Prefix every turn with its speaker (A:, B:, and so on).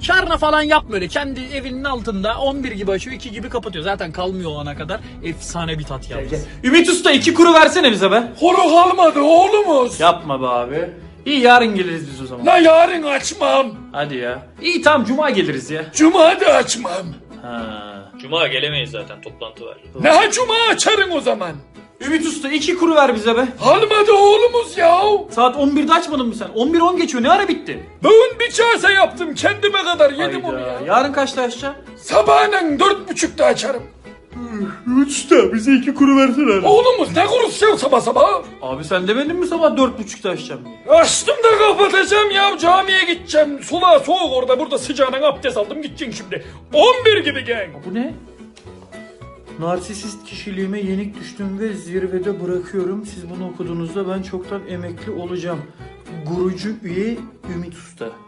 A: Şarna falan yapma öyle. Kendi evinin altında 11 gibi açıyor, 2 gibi kapatıyor. Zaten kalmıyor o ana kadar. Efsane bir tat yalnız.
B: Ümit Usta 2 kuru versene bize be.
C: Kuru kalmadı oğlumuz.
B: Yapma be abi. İyi yarın geliriz biz o zaman.
C: La yarın açmam.
B: Hadi ya. İyi tamam cuma geliriz ya.
C: Cuma da açmam.
B: Ha.
D: Cuma gelemeyiz zaten, toplantı var.
C: Ne cuma açarım o zaman.
B: Ümit Usta 2 kuru ver bize be.
C: Kalmadı oğlumuz ya.
B: Saat 11'de açmadın mı sen? 11:10 geçiyor ne ara bitti?
C: Bugün bir kase yaptım kendime kadar yedim onu ya.
B: Yarın kaçta açacaksın?
C: Sabahın 4.30'da açarım.
B: Ümit Usta bize 2 kuru versene.
C: Oğlumuz ne kurusu sabah sabah?
B: Abi sen demedin mi sabah 4.30'da açacağım diye?
C: Açtım da kapatacağım ya, camiye gideceğim. Sula soğuk orada, burada sıcağına abdest aldım, gideceksin şimdi. 11 gibi gel.
B: Bu ne? Narsisist kişiliğime yenik düştüm ve zirvede bırakıyorum. Siz bunu okuduğunuzda ben çoktan emekli olacağım. Gurucu üye Ümit Usta.